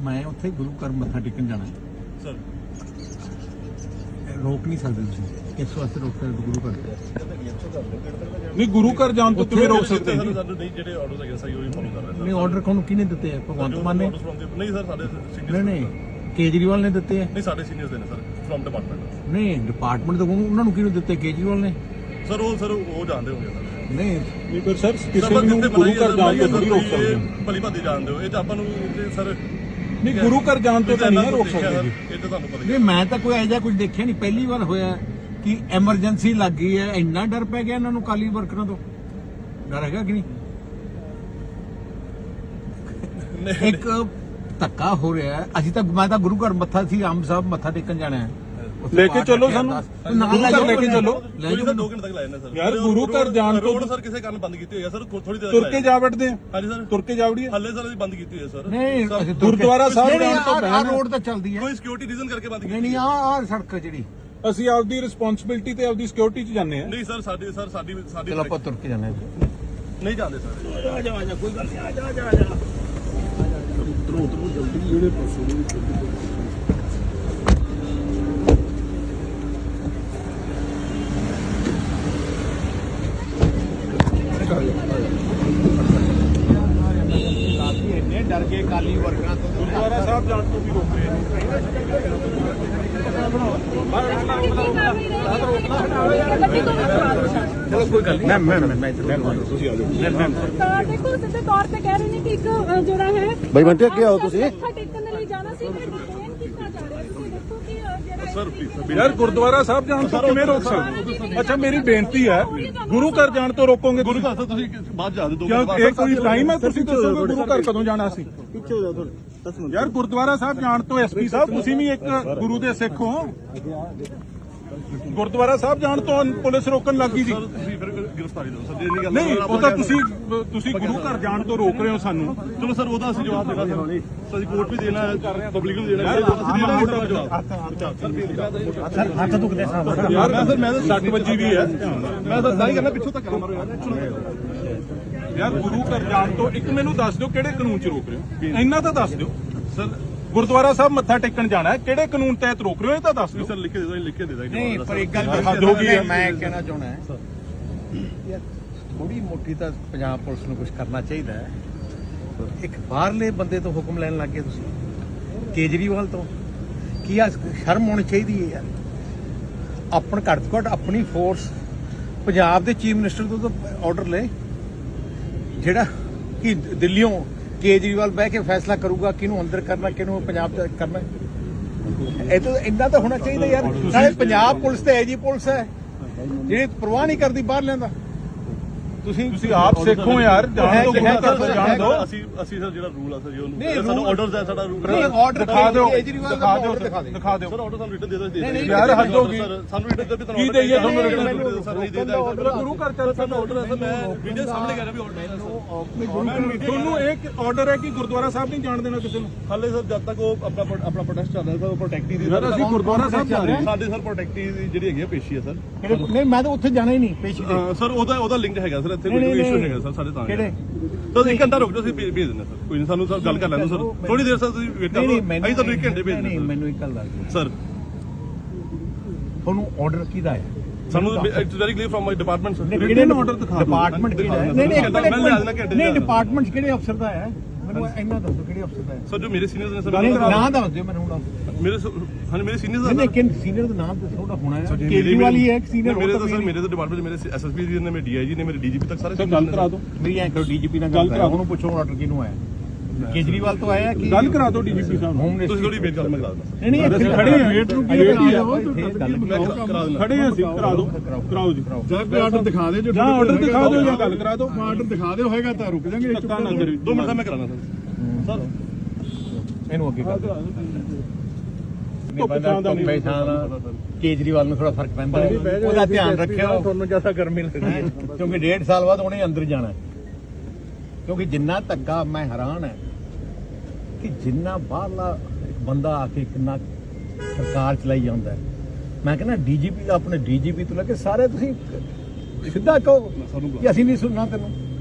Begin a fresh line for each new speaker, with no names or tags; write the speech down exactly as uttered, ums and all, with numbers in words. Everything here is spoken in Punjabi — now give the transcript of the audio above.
ਮੈਂ ਉੱਥੇ ਗੁਰੂ ਘਰ ਮੱਥਾ ਟੇਕਣ ਜਾਣਾ
ਸਰ
ਰੋਕ ਨਹੀਂ ਸਕਦੇ ਤੁਸੀਂ ਕਿਸ ਵਾਸਤੇ ਰੋਕ ਸਕਦੇ ਗੁਰੂ ਘਰ
ਨਹੀਂ ਗੁਰੂ ਘਰ ਜਾਣ ਤੋਂ ਕਿਵੇਂ ਰੋਕ ਸਕਦੇ
ਸਾਨੂੰ ਨਹੀਂ ਜਿਹੜੇ ਆਰਡਰਸ ਹੈਗੇ ਸਹੀ ਉਹੀ ਫੋਲੋ ਕਰ ਰਹੇ ਸਰ
ਨਹੀਂ ਆਰਡਰ ਕੋਣ ਕਿਹਨੇ ਦਿੱਤੇ ਆ ਭਗਵੰਤ ਮਾਨ ਨੇ
ਨਹੀਂ ਸਰ ਸਾਡੇ ਸੀਨੀਅਰ
ਨਹੀਂ ਨਹੀਂ ਕੇਜਰੀਵਾਲ ਨੇ ਦਿੱਤੇ ਆ
ਨਹੀਂ ਸਾਡੇ ਸੀਨੀਅਰਸ ਦੇ ਨੇ ਸਰ ਫਰਮ ਡਿਪਾਰਟਮੈਂਟ
ਨਹੀਂ ਡਿਪਾਰਟਮੈਂਟ ਤੋਂ ਉਹਨਾਂ ਨੂੰ ਕਿਹਨੂੰ ਦਿੱਤੇ ਕੇਜਰੀਵਾਲ ਨੇ
ਸਰ ਉਹ ਸਰ ਉਹ ਜਾਣਦੇ ਹੋਗੇ ਸਰ
ਨਹੀਂ
ਨਹੀਂ ਪਰ ਸਰ ਕਿਸੇ ਨੂੰ ਗੁਰੂ ਘਰ ਜਾਣ ਤੋਂ ਨਹੀਂ ਰੋਕ ਸਕਦੇ
ਭਲੀ ਭਾਦੀ ਜਾਣਦੇ ਹੋ ਇਹ ਤਾਂ ਆਪਾਂ ਨੂੰ ਸਰ
ਨਹੀਂ ਗੁਰੂ ਘਰ ਜਾਣ ਤੋਂ ਤਾਂ ਨਹੀਂ ਰੋਕ ਸਕਦੇ
ਇਹ ਤਾਂ ਤੁਹਾਨੂੰ ਪਤਾ
ਨਹੀਂ ਮੈਂ ਤਾਂ ਕੋਈ ਐਜਾ ਕੁਝ ਦੇਖਿਆ ਨਹੀਂ ਪਹਿਲੀ ਵਾਰ ਹੋਇਆ ਕਿ ਐਮਰਜੈਂਸੀ ਲੱਗ ਗਈ ਹੈ ਇੰਨਾ ਡਰ ਪੈ ਗਿਆ ਇਹਨਾਂ ਨੂੰ ਕਾਲੀ ਵਰਕਰਾਂ ਤੋਂ ਡਰ ਹੈਗਾ ਕਿ ਨਹੀਂ ਇੱਕ ਧੱਕਾ ਹੋ ਰਿਹਾ ਹੈ ਅਸੀਂ ਤਾਂ ਮੈਂ ਤਾਂ ਗੁਰੂ ਘਰ ਮੱਥਾ ਸੀ ਆਮ ਸਾਹਿਬ ਮੱਥਾ ਟੇਕਣ ਜਾਣਾ ਹੈ
ਲੈ ਕੇ ਚੱਲੋ ਸਾਨੂੰ ਗੁਰੂ ਘਰ ਲੈ ਕੇ ਚੱਲੋ
ਲੈ ਜਾਓ ਦੋ ਘੰਟੇ ਤੱਕ ਲਾਇਆ ਸਰ
ਯਾਰ ਗੁਰੂ ਘਰ ਜਾਣ ਤੋਂ
ਰੋਡ ਸਰ ਕਿਸੇ ਕਾਰਨ ਬੰਦ ਕੀਤੀ ਹੋਈ ਹੈ ਸਰ ਥੋੜੀ ਦੇਰ
ਤੁਰ ਕੇ ਜਾ ਵੜਦੇ ਆ
ਹਾਂਜੀ ਸਰ
ਤੁਰ ਕੇ ਜਾ ਵੜੀਏ
ਹੱਲੇ ਸਰ ਅਸੀਂ ਬੰਦ ਕੀਤੀ ਹੋਈ ਹੈ ਸਰ
ਨਹੀਂ ਅਸੀਂ
ਗੁਰਦੁਆਰਾ ਸਾਹਿਬ ਜਾਣ ਤੋਂ
ਪਹਿਲਾਂ ਰੋਡ ਤਾਂ ਚੱਲਦੀ ਹੈ
ਕੋਈ ਸਿਕਿਉਰਿਟੀ ਰੀਜ਼ਨ ਕਰਕੇ ਬੰਦ ਕੀਤੀ
ਨਹੀਂ ਨਹੀਂ ਆਹ ਆਹ ਸੜਕ ਜਿਹੜੀ
ਅਸੀਂ ਆਪਦੀ ਰਿਸਪੌਂਸਿਬਿਲਟੀ ਤੇ ਆਪਦੀ ਸਿਕਿਉਰਿਟੀ 'ਚ ਜਾਂਦੇ ਆ
ਨਹੀਂ ਸਰ ਸਾਡੀ ਸਰ ਸਾਡੀ ਸਾਡੀ
ਚਲੋ ਆਪਾਂ ਤੁਰ ਕੇ ਜਾਣਾ
ਨਹੀਂ ਜਾਂਦੇ ਸਰ
ਆ ਜਾ ਆ ਜਾ ਕੋਈ ਗੱਲ ਨਹੀਂ ਆ ਜਾ ਆ ਜਾ ਆ ਜਾ ਉਤਰੋ ਉਤਰੋ ਜਲਦੀ ਜਿਹੜੇ ਪਾਸੋਂ ਇੰਨੇ ਡਰ ਗਏ ਕਾਲੀ ਵਰਕਰਾਂ ਤੋਂ
ਗੁਰਦੁਆਰਾ ਸਾਹਿਬ ਜਾਣ ਤੋਂ ਵੀ ਰੋਕ ਰਹੇ
ਚਲੋ ਕੋਈ ਗੱਲ ਨਹੀਂ ਮੈਂ ਮੈਂ ਮੈਂ ਤੁਸੀਂ ਆ ਜਾਓ
ਤਾਂ ਦੇਖੋ ਸਿੱਧੇ ਤੌਰ ਤੇ ਕਹਿ ਰਹੇ ਨੇ ਕਿ ਇੱਕ ਜਿਹੜਾ ਹੈ
ਬਾਈ ਬੰਟੇ ਅੱਗੇ ਆਓ ਤੁਸੀਂ
ਮੱਥਾ ਟੇਕਣ ਦੇ ਲਈ ਜਾਣਾ ਸੀ ਮੈਂ ਡਿਟੇਨ ਕੀਤਾ ਜਾ ਰਿਹਾ ਤੁਸੀਂ ਦੇਖੋ ਕਿ ਜਿਹੜਾ
ਸਰ ਪਲੀਜ਼
ਯਾਰ ਗੁਰਦੁਆਰਾ ਸਾਹਿਬ ਜਾਣ ਤੋਂ ਕਿਵੇਂ ਰੋਕ ਸਕਦੇ ਅੱਛਾ ਮੇਰੀ ਬੇਨਤੀ ਹੈ ਗੁਰੂ ਘਰ ਜਾਣ ਤੋਂ ਰੋਕੋਗੇ
ਗੁਰੂ ਘਰ ਤੁਸੀਂ ਬਾਅਦ ਜਾ ਦੇ ਦੋ
ਕਿਉਂ ਇਹ ਕੋਈ ਟਾਈਮ ਹੈ ਤੁਸੀਂ ਦੱਸੋਗੇ ਗੁਰੂ ਘਰ ਕਦੋਂ ਜਾਣਾ ਸੀ ਪਿੱਛੇ ਹੋ ਜਾਓ ਥੋੜੇ ਯਾਰ ਗੁਰਦੁਆਰਾ ਸਾਹਿਬ ਜਾਣ ਤੋਂ ਐਸਪੀ ਸਾਹਿਬ ਤੁਸੀਂ ਵੀ ਇੱਕ ਗੁਰੂ ਦੇ ਸਿੱਖ ਹੋ ਗੁਰਦੁਆਰਾ ਸਾਹਿਬ ਜਾਣ ਤੋਂ ਪੁਲਿਸ ਰੋਕਣ ਲੱਗੀ ਸੀ
ਤੁਸੀਂ ਫਿਰ ਗ੍ਰਿਫਤਾਰੀ ਦਿਓ ਸਰ ਇਹ ਗੱਲ
ਨਹੀਂ ਉਹ ਤਾਂ ਤੁਸੀਂ ਤੁਸੀਂ ਗੁਰੂ ਘਰ ਜਾਣ ਤੋਂ ਰੋਕ ਰਹੇ ਹੋ ਸਾਨੂੰ
ਚਲੋ ਸਰ ਉਹਦਾ ਅਸੀਂ ਜਵਾਬ ਦੇਣਾ ਸਰ ਅਸੀਂ ਕੋਰਟ ਵੀ ਦੇਣਾ ਹੈ ਪਬਲਿਕ ਨੂੰ ਦੇਣਾ ਹੈ ਅਸੀਂ ਦੇਣਾ ਜਵਾਬ
ਸਰ ਹੱਥ ਦੁਖਦੇ ਸਾਹ
ਯਾਰ ਮੈਂ ਸਰ ਮੈਂ ਤਾਂ ਸੱਟ ਵੱਜੀ ਵੀ ਹੈ
ਮੈਂ ਤਾਂ ਸਾਰੀ ਕਰਨਾ ਪਿੱਛੋਂ ਤੱਕ ਮਾਰੋ ਯਾਰ
ਯਾਰ ਗੁਰੂ ਘਰ ਜਾਣ ਤੋਂ ਇੱਕ ਮੈਨੂੰ ਦੱਸ ਦਿਓ ਕਿਹੜੇ ਕਾਨੂੰਨ 'ਚ ਰੋਕ ਰਹੇ ਹੋ ਇੰਨਾ ਤਾਂ ਦੱਸ ਦਿਓ ਸਰ ਗੁਰਦੁਆਰਾ ਸਾਹਿਬ ਮੱਥਾ ਟੇਕਣ ਜਾਣਾ ਹੈ ਕਿਹੜੇ ਕਾਨੂੰਨ ਤਹਿਤ ਰੋਕ ਰਹੇ ਹੋ ਇਹ ਤਾਂ ਦੱਸ ਦਿਓ
ਸਰ ਲਿਖ ਕੇ ਦੇ ਦੋ ਲਿਖ ਕੇ ਦੇ ਦਾਂਗੇ
ਨਹੀਂ ਪਰ ਇੱਕ ਗੱਲ
ਹੱਦ ਹੋ ਗਈ ਹੈ।
ਮੈਂ ਕਹਿਣਾ ਚਾਹੁੰਦਾ ਹਾਂ ਯਾਰ ਥੋੜੀ ਮੋਟੀ ਤਾਂ ਪੰਜਾਬ ਪੁਲਿਸ ਨੂੰ ਕੁਝ ਕਰਨਾ ਚਾਹੀਦਾ ਹੈ ਇੱਕ ਬਾਹਰਲੇ ਬੰਦੇ ਤੋਂ ਹੁਕਮ ਲੈਣ ਲੱਗ ਗਏ ਤੁਸੀਂ ਕੇਜਰੀਵਾਲ ਤੋਂ ਕੀ ਆ ਸ਼ਰਮ ਹੋਣੀ ਚਾਹੀਦੀ ਹੈ ਯਾਰ ਆਪਣ ਘੱਟ ਤੋਂ ਘੱਟ ਆਪਣੀ ਫੋਰਸ ਪੰਜਾਬ ਦੇ ਚੀਫ ਮਿਨਿਸਟਰ ਤੋਂ ਤਾਂ ਆਰਡਰ ਲੈ ਜਿਹੜਾ ਕਿ ਦਿੱਲੀੋਂ ਕੇਜਰੀਵਾਲ ਬਹਿ ਕੇ ਫੈਸਲਾ ਕਰੂਗਾ ਕਿਹਨੂੰ ਅੰਦਰ ਕਰਨਾ ਕਿਹਨੂੰ ਪੰਜਾਬ ਚ ਕਰਨਾ ਇਹ ਤਾਂ ਇੰਨਾ ਤਾਂ ਹੋਣਾ ਚਾਹੀਦਾ ਯਾਰ ਨਾਲੇ ਪੰਜਾਬ ਪੁਲਿਸ ਤੇ ਐਜੀ ਪੁਲਿਸ ਹੈ ਜਿਹੜੀ ਪਰਵਾਹ ਨਹੀਂ ਕਰਦੀ ਬਾਹਰ ਲੈਂਦਾ ਤੁਸੀਂ
ਤੁਸੀਂ ਆਪ ਸਿੱਖੋ ਯਾਰ ਜਾਣ ਤੋਂ ਗੁਰੂ ਘਰ ਤੋਂ ਜਾਣ ਦਿਓ
ਅਸੀਂ ਅਸੀਂ ਸਰ ਜਿਹੜਾ ਰੂਲ ਆ ਸਰ ਉਹਨੂੰ ਸਾਨੂੰ ਆਰਡਰਸ ਹੈ ਸਾਡਾ ਰੂਲ
ਆਰਡਰ
ਦਿਖਾ ਦਿਓ
ਕੇਜਰੀਵਾਲ
ਦਿਖਾ ਦਿਓ
ਦਿਖਾ ਦਿਓ
ਦਿਖਾ ਦਿਓ
ਸਰ ਆਰਡਰ ਸਾਨੂੰ ਰਿਟਨ ਦੇ ਦੋ ਦੇ
ਯਾਰ ਹੱਦ ਹੋ ਗਈ
ਸਾਨੂੰ ਰਿਟਨ ਦੇ ਵੀ ਤੁਹਾਨੂੰ
ਕੀ ਦੇਈਏ ਤੁਹਾਨੂੰ ਰਿਟਨ
ਸਰ ਨਹੀਂ ਦੇਦਾ
ਗੁਰੂ ਘਰ ਚੱਲ
ਸਾਨੂੰ ਆਰਡਰ ਹੈ ਸਰ ਮੈਂ ਵੀਡੀਓ ਸਾਹਮਣੇ ਕਰ ਰਿਹਾ ਵੀ ਆਰਡਰ ਹੈ
ਤੁਹਾਨੂੰ ਇੱਕ ਆਰਡਰ ਹੈ ਕਿ ਗੁਰਦੁਆਰਾ ਸਾਹਿਬ ਨਹੀਂ ਜਾਣ ਦੇਣਾ ਕਿਸੇ ਨੂੰ
ਹਾਲੇ ਸਰ ਜਦ ਤੱਕ ਉਹ ਆਪਣਾ ਆਪਣਾ ਪ੍ਰੋਟੈਸਟ ਚੱਲ ਰਿਹਾ ਸਰ ਉਹ ਪ੍ਰੋਟੈਕਟੀ ਦੀ
ਯਾਰ ਅਸੀਂ ਗੁਰਦੁਆਰਾ ਸਾਹਿਬ ਜਾ ਰਹੇ ਹਾਂ
ਸਾਡੇ ਸਰ ਪ੍ਰੋਟੈਕਟੀ ਦੀ ਜਿਹੜੀ ਹੈਗੀ ਪੇਸ਼ੀ ਹੈ ਸਰ
ਨਹੀਂ ਮੈਂ ਤਾਂ ਉੱਥੇ ਜਾਣਾ ਹੀ ਨਹੀਂ ਪੇਸ਼ੀ ਤੇ
ਸਰ ਉਹਦਾ ਉਹਦਾ ਲਿੰਕ ਹੈਗਾ ਸਰ ਇੱਥੇ ਕੋਈ ਇਸ਼ੂ ਹੈਗਾ ਸਰ ਸਾਡੇ ਤਾਂ
ਕਿਹੜੇ
ਤਾਂ ਇੱਕ ਘੰਟਾ ਰੁਕ ਜਾਓ ਅਸੀਂ ਭੇਜ ਦਿੰਦੇ ਸਰ ਕੋਈ ਨਹੀਂ ਸਾਨੂੰ ਸਰ ਗੱਲ ਕਰ ਲੈਣ ਦਿਓ ਸਰ ਥੋੜੀ ਦੇਰ ਸਰ ਤੁਸੀਂ ਵੇਟ ਕਰੋ ਅਸੀਂ ਤੁਹਾਨੂੰ ਇੱਕ ਘੰਟੇ ਭੇਜ
ਨਹੀਂ
ਦਿੰਦੇ
ਮੈਨੂੰ ਇੱਕ ਗੱਲ ਦੱਸ ਦਿਓ
ਸਰ
ਤੁਹਾਨੂੰ ਆਰਡਰ ਕਿਹਦਾ ਹੈ
ਸਾਨੂੰ it's very clear from my department sir
ਕਿਹੜੇ ਆਰਡਰ ਦਿਖਾ ਦਿਓ
ਡਿਪਾਰਟਮੈਂਟ ਕਿਹੜਾ ਹੈ ਨਹੀਂ ਨਹੀਂ ਇੱਕ ਮਿੰਟ ਨਹੀਂ ਡਿਪਾਰਟਮੈਂਟ ਕਿਹੜੇ ਅਫਸਰ ਦਾ ਹੈ ਮੈਨੂੰ ਇੰਨਾ ਦੱਸੋ ਕਿਹੜੇ ਅਫਸਰ ਦਾ ਹੈ
ਸਰ ਜੋ ਮੇਰੇ ਸੀਨੀਅਰਸ ਨੇ ਸਰ
ਨਾਮ ਦੱਸ ਦਿਓ ਮੈਨੂੰ ਹੁਣ
ਮੇਰੇ ਹਾਂ ਮੇਰੇ ਸੀਨੀਅਰਸ
ਨਹੀਂ ਨਹੀਂ ਸੀਨੀਅਰ ਦਾ ਨਾਮ ਦੱਸੋ ਉਹਦਾ ਹੋਣਾ ਹੈ ਕੇਜਰੀਵਾਲ ਹੀ ਹੈ ਇੱਕ ਸੀਨੀਅਰ
ਮੇਰੇ ਤਾਂ ਸਰ ਮੇਰੇ ਤਾਂ ਡਿਪਾਰਟਮੈਂਟ ਮੇਰੇ ਐਸਐਸਪੀ ਜੀ ਨੇ ਮੇਰੇ ਡੀਆਈਜੀ ਨੇ ਮੇਰੇ ਡੀਜੀਪੀ ਤੱਕ ਸਾਰੇ
ਗੱਲ ਕਰਾ ਦਿਓ
ਮੇਰੀ ਐਂ ਕਰੋ ਡੀਜੀਪੀ ਨਾਲ ਗੱਲ ਕਰਾ ਉਹਨੂੰ ਪੁੱਛੋ ਆਰਡਰ ਕਿਹਨੂੰ ਆਇਆ ਕੇਜਰੀਵਾਲ ਤੋਂ ਆਇਆ ਕਿ
ਗੱਲ ਕਰਾ ਦਿਓ ਡੀਜੀਪੀ ਸਾਹਿਬ
ਹੋਮ ਮਿਨਿਸਟਰ
ਤੁਸੀਂ ਥੋੜੀ ਵੇਟ ਕਰ ਮੈਂ ਕਰਾ ਦਿੰਦਾ
ਨਹੀਂ ਨਹੀਂ ਇੱਥੇ
ਖੜੇ ਹਾਂ
ਵੇਟ ਨੂੰ ਕੀ ਕਰਾ
ਕਰਾ ਦਿੰਦਾ
ਖੜੇ ਹਾਂ ਅਸੀਂ ਕਰਾ ਦਿਓ ਕਰਾਓ ਜੀ
ਜਾਂ ਕੋਈ ਆਰਡਰ ਦਿਖਾ ਦੇ ਜੋ
ਜਾਂ ਆਰਡਰ ਦਿਖਾ ਦਿਓ ਜਾਂ ਗੱਲ ਕਰਾ ਦਿਓ
ਆਰਡਰ ਦਿਖਾ ਦਿਓ ਹੋਏਗਾ ਤਾਂ ਰੁਕ ਜਾਾਂਗੇ
ਧੱਕਾ ਨਾ ਕਰਿਓ
ਦੋ ਮਿੰਟ ਦਾ ਮੈਂ ਕਰਾਣਾ ਸਰ ਸਰ
ਇਹਨੂੰ ਅੱਗੇ ਕਰ ਕੇਜਰੀਵਾਲ ਨੂੰ ਥੋੜਾ ਫਰਕ ਪੈਂਦਾ ਉਹਦਾ ਧਿਆਨ ਰੱਖਿਓ ਤੁਹਾਨੂੰ ਜਿਆਦਾ ਗਰਮੀ ਲੱਗਦੀ ਹੈ ਕਿਉਂਕਿ ਡੇਢ ਸਾਲ ਬਾਅਦ ਉਹਨੇ ਅੰਦਰ ਜਾਣਾ ਕਿਉਂਕਿ ਜਿੰਨਾ ਧੱਕਾ ਮੈਂ ਹੈਰਾਨ ਹੈ ਕਿ ਜਿੰਨਾ ਬਾਹਰਲਾ ਬੰਦਾ ਆ ਕੇ ਕਿੰਨਾ ਸਰਕਾਰ ਚਲਾਈ ਜਾਂਦਾ ਮੈਂ ਕਹਿੰਦਾ ਡੀਜੀਪੀ ਆਪਣੇ ਡੀਜੀਪੀ ਤੋਂ ਲੈ ਕੇ ਸਾਰੇ ਤੁਸੀਂ ਸਿੱਧਾ ਕਹੋ ਕਿ ਅਸੀਂ ਨਹੀਂ ਸੁਣਨਾ ਤੈਨੂੰ